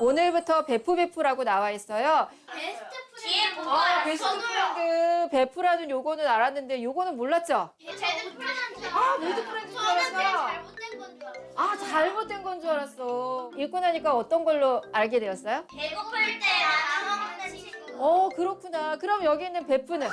오늘부터 베프라고 나와 있어요. 베스트 뒤에 프렌드. 뭐가 베스트 저도요. 프렌드 베프라는 요거는 알았는데 요거는 몰랐죠? 배드 프렌드. 아, 배드 프렌드인 줄 저는 제일 알았어. 잘못된 건 줄 알았어요. 아, 잘못된 건 줄 알았어. 읽고 나니까 어떤 걸로 알게 되었어요? 배고플 때 나눠 먹는 친구. 그렇구나. 그럼 여기 있는 베프는?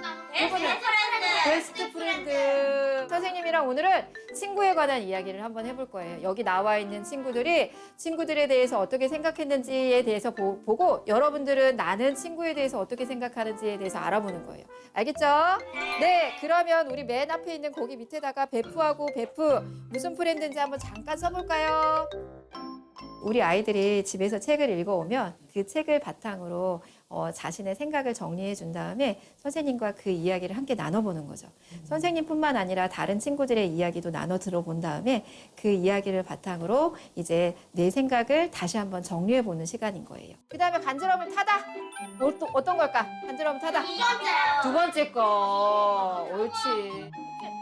베스트 프렌드. 선생님이랑 오늘은 친구에 관한 이야기를 한번 해볼 거예요. 여기 나와 있는 친구들이 친구들에 대해서 어떻게 생각했는지에 대해서 보고 여러분들은 나는 친구에 대해서 어떻게 생각하는지에 대해서 알아보는 거예요. 알겠죠? 네, 그러면 우리 맨 앞에 있는 거기 밑에다가 베프하고 베프 무슨 프렌드인지 한번 잠깐 써볼까요? 우리 아이들이 집에서 책을 읽어오면 그 책을 바탕으로 자신의 생각을 정리해 준 다음에 선생님과 그 이야기를 함께 나눠보는 거죠. 선생님뿐만 아니라 다른 친구들의 이야기도 나눠 들어본 다음에 그 이야기를 바탕으로 이제 내 생각을 다시 한번 정리해 보는 시간인 거예요. 그 다음에 간지럼을 타다. 어떤 걸까? 간지럼을 타다. 두 번째 거. 옳지.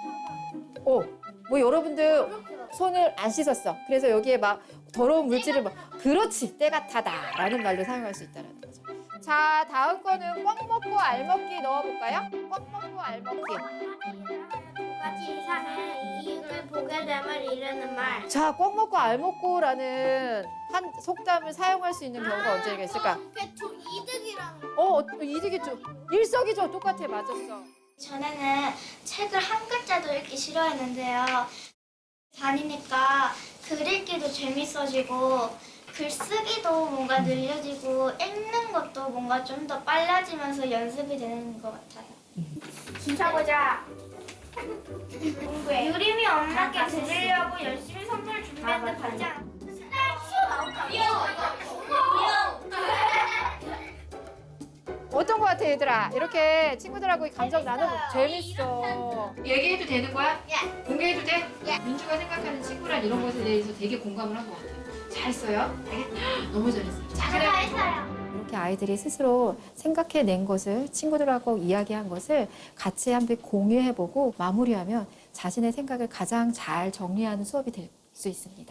뭐 여러분들 손을 안 씻었어. 그래서 여기에 막 더러운 물질을 막 그렇지 때가 타다라는 말로 사용할 수 있다는 거죠. 자, 다음 거는 꽉 먹고 알먹기 넣어볼까요? 꽉 먹고 알먹기. 두 가지 이상의 이익을 보게 됨을 이르는 말. 자, 꽉 먹고 알먹고라는 한 속담을 사용할 수 있는 경우가 언제가 있을까? 저 이득이랑. 이득이죠. 일석이조 똑같아. 맞았어. 전에는 책을 한 글자도 읽기 싫어했는데요. 다니니까 글 읽기도 재밌어지고 글쓰기도 뭔가 늘려지고 읽는 것도 뭔가 좀 더 빨라지면서 연습이 되는 것 같아요. 찾아보자. 유림이 엄마께 드리려고 열심히 선물 준비했는데 받지 않았어요. 어떤 거 같아, 얘들아? 이렇게 친구들하고 감정 나눠보고 재밌어. 얘기해도 되는 거야? 예. 공개해도 돼? 민주가 생각하는 친구란 이런 것에 대해서 되게 공감을 한 것 같아. 잘했어요? 알겠? 너무 잘했어요. 잘했어요. 이렇게 아이들이 스스로 생각해낸 것을 친구들하고 이야기한 것을 같이 한번 공유해보고 마무리하면 자신의 생각을 가장 잘 정리하는 수업이 될 수 있습니다.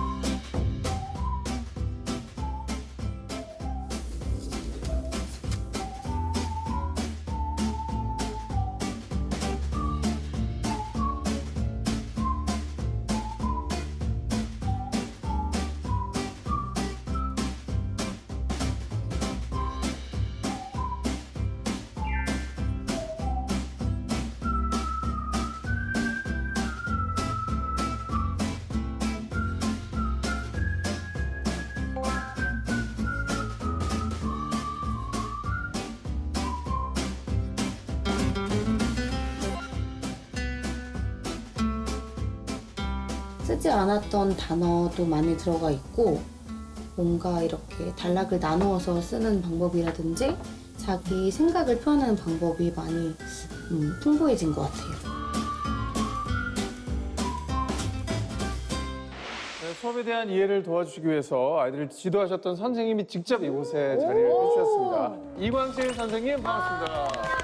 쓰지 않았던 단어도 많이 들어가 있고 뭔가 이렇게 단락을 나누어서 쓰는 방법이라든지 자기 생각을 표현하는 방법이 많이 풍부해진 것 같아요. 네, 수업에 대한 이해를 도와주시기 위해서 아이들을 지도하셨던 선생님이 직접 이곳에 자리를 해주셨습니다. 이광실 선생님 반갑습니다.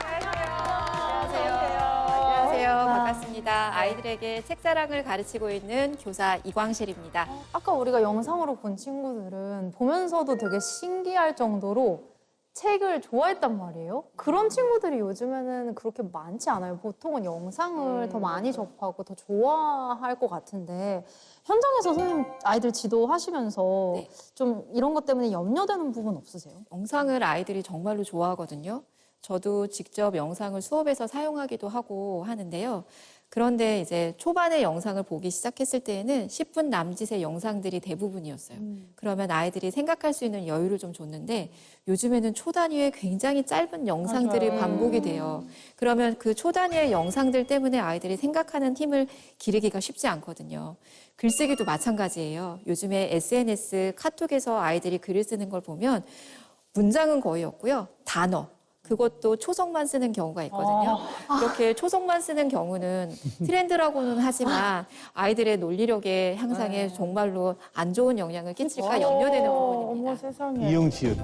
안녕하세요. 반갑습니다. 아이들에게 책사랑을 가르치고 있는 교사 이광실입니다. 아까 우리가 영상으로 본 친구들은 보면서도 되게 신기할 정도로 책을 좋아했단 말이에요. 그런 친구들이 요즘에는 그렇게 많지 않아요. 보통은 영상을 더 많이 접하고 더 좋아할 것 같은데 현장에서 선생님 아이들 지도하시면서 네. 좀 이런 것 때문에 염려되는 부분 없으세요? 영상을 아이들이 정말로 좋아하거든요. 저도 직접 영상을 수업에서 사용하기도 하고 하는데요. 그런데 이제 초반에 영상을 보기 시작했을 때에는 10분 남짓의 영상들이 대부분이었어요. 그러면 아이들이 생각할 수 있는 여유를 좀 줬는데 요즘에는 초단위의 굉장히 짧은 영상들이 맞아요. 반복이 돼요. 그러면 그 초단위의 영상들 때문에 아이들이 생각하는 힘을 기르기가 쉽지 않거든요. 글쓰기도 마찬가지예요. 요즘에 SNS, 카톡에서 아이들이 글을 쓰는 걸 보면 문장은 거의 없고요. 단어. 그것도 초성만 쓰는 경우가 있거든요. 이렇게 초성만 쓰는 경우는 트렌드라고는 하지만 아이들의 논리력의 향상에 정말로 안 좋은 영향을 끼칠까 염려되는 부분입니다. 세상에. 이응지읒.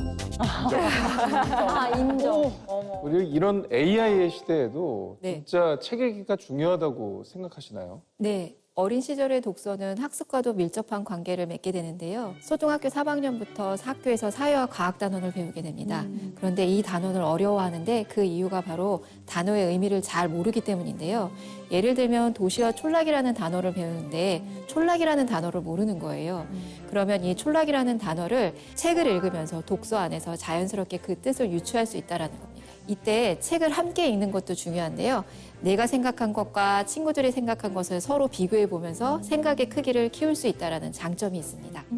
인정. 우리 이런 AI의 시대에도 네. 진짜 책 읽기가 중요하다고 생각하시나요? 네. 어린 시절의 독서는 학습과도 밀접한 관계를 맺게 되는데요. 초등학교 3학년부터 학교에서 사회와 과학 단원을 배우게 됩니다. 그런데 이 단원을 어려워하는데 그 이유가 바로 단어의 의미를 잘 모르기 때문인데요. 예를 들면 도시와 촌락이라는 단어를 배우는데 촌락이라는 단어를 모르는 거예요. 그러면 이 촌락이라는 단어를 책을 읽으면서 독서 안에서 자연스럽게 그 뜻을 유추할 수 있다는 겁니다. 이때 책을 함께 읽는 것도 중요한데요. 내가 생각한 것과 친구들이 생각한 것을 서로 비교해 보면서 생각의 크기를 키울 수 있다는 장점이 있습니다.